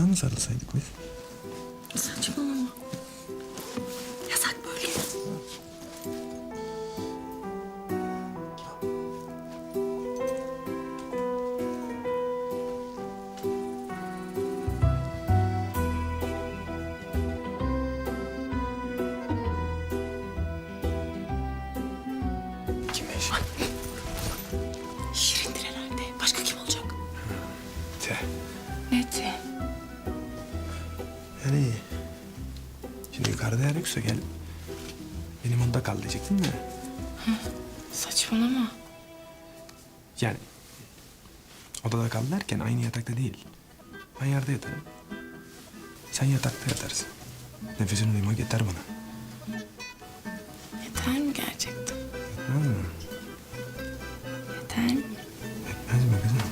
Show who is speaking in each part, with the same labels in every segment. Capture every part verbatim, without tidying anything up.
Speaker 1: daha mı sarılsaydık biz?
Speaker 2: Saçmalama. Yasak böyle.
Speaker 1: Kimmiş?
Speaker 2: Şirindir herhalde. Başka kim olacak?
Speaker 1: Te.
Speaker 2: Ne te?
Speaker 1: Yani şimdi yukarıda yer yoksa gel. Benim onda kal diyecektin de.
Speaker 2: Saçmalama.
Speaker 1: Yani odada kal derken aynı yatakta değil. Ben yerde yatarım. Sen yatakta yatarsın. Nefesini duymak yeter bana.
Speaker 2: Yeter mi gerçekten?
Speaker 1: Anladın mı?
Speaker 2: Yeter mi?
Speaker 1: Etmez mi kızım?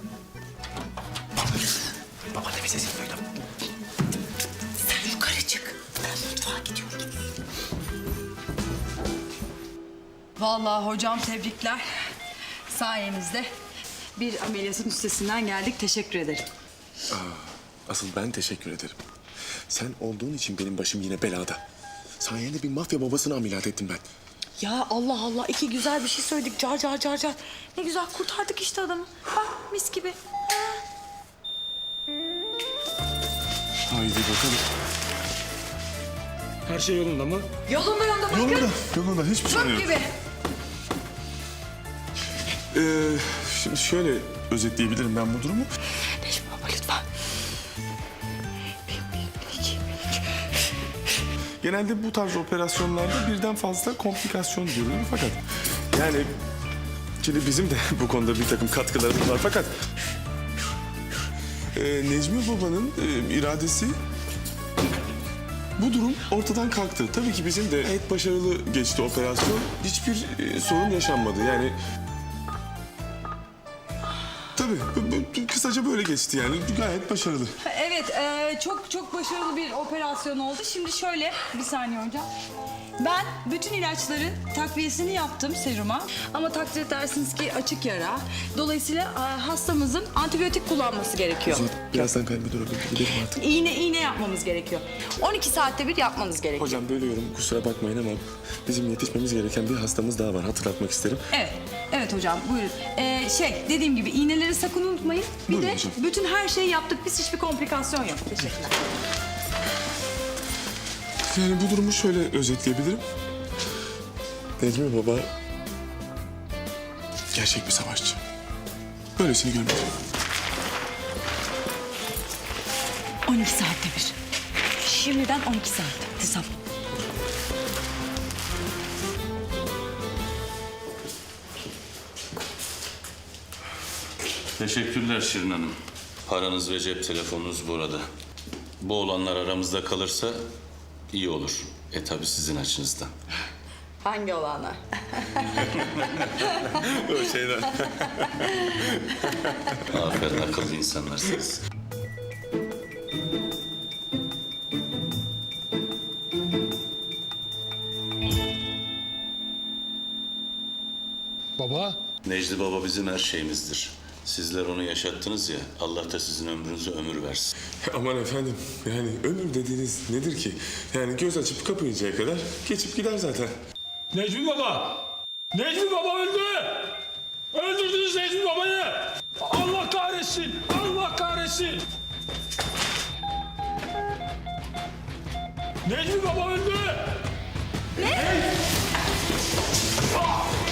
Speaker 1: Baba ne bir sesini duydum.
Speaker 2: Sen yukarı çık. Ben mutfağa gidiyorum.
Speaker 3: Vallahi hocam tebrikler. Sayenizde bir ameliyatın üstesinden geldik. Teşekkür ederim.
Speaker 4: Asıl ben teşekkür ederim. Sen olduğun için benim başım yine belada. Sayende bir mafya babasını ameliyat ettim ben.
Speaker 2: Ya Allah Allah, iki güzel bir şey söyledik. Car car car car. Ne güzel kurtardık işte adamı. Bak mis gibi.
Speaker 4: Haydi bakalım. Her şey yolunda mı?
Speaker 3: Yolunda yolunda bakın.
Speaker 4: Yolunda, yolunda. Hiçbir şey
Speaker 3: Çok
Speaker 4: yok.
Speaker 3: gibi.
Speaker 4: Ee, şimdi şöyle özetleyebilirim ben bu durumu.
Speaker 2: Necmi baba lütfen. Bir, bir, iki, bir, iki.
Speaker 4: Genelde bu tarz operasyonlarda birden fazla komplikasyon görülür fakat... Yani şimdi bizim de bu konuda bir takım katkılarımız var fakat... E, Necmi Baba'nın e, iradesi... Bu durum ortadan kalktı. Tabii ki bizim de gayet başarılı geçti operasyon. Hiçbir e, sorun yaşanmadı yani... Tabii bu- bu- kısaca böyle geçti yani gayet başarılı.
Speaker 3: Evet, e, çok çok başarılı bir operasyon oldu. Şimdi şöyle, bir saniye hocam. Ben bütün ilaçların takviyesini yaptım seruma. Ama takdir edersiniz ki açık yara. Dolayısıyla e, hastamızın antibiyotik kullanması gerekiyor.
Speaker 4: Birazdan kalbi durabilir. Gidelim artık.
Speaker 3: İğne iğne yapmamız gerekiyor. on iki saatte bir yapmanız gerekiyor.
Speaker 4: Hocam bölüyorum kusura bakmayın ama bizim yetişmemiz gereken bir hastamız daha var hatırlatmak isterim.
Speaker 3: Evet, evet hocam buyurun. Ee, şey, dediğim gibi iğneleri sakın unutmayın. Bir
Speaker 4: Buyurun
Speaker 3: de
Speaker 4: hocam.
Speaker 3: bütün her şeyi yaptık. Biz hiçbir komplikasyon yok. Teşekkürler.
Speaker 4: Yani bu durumu şöyle özetleyebilirim. Necmi Baba gerçek bir savaşçı. Böylesini görmedim.
Speaker 3: on iki saatte bir. Şimdiden on iki saat hesap.
Speaker 5: Teşekkürler Şirin Hanım. Paranız ve cep telefonunuz burada. Bu olanlar aramızda kalırsa iyi olur. E tabii sizin açınızdan.
Speaker 3: Hangi olanlar?
Speaker 4: O şeyler.
Speaker 5: Aferin akıllı insanlarsınız.
Speaker 6: Baba,
Speaker 5: Necdi Baba bizim her şeyimizdir. Sizler onu yaşattınız ya, Allah da sizin ömrünüze ömür versin.
Speaker 4: Aman efendim yani ömür dediğiniz nedir ki? Yani göz açıp kapayıncaya kadar geçip gider zaten.
Speaker 6: Necmi Baba! Necmi Baba öldü! Öldürdünüz Necmi Baba'yı! Allah kahretsin! Allah kahretsin! Necmi Baba öldü! Ne? Ah!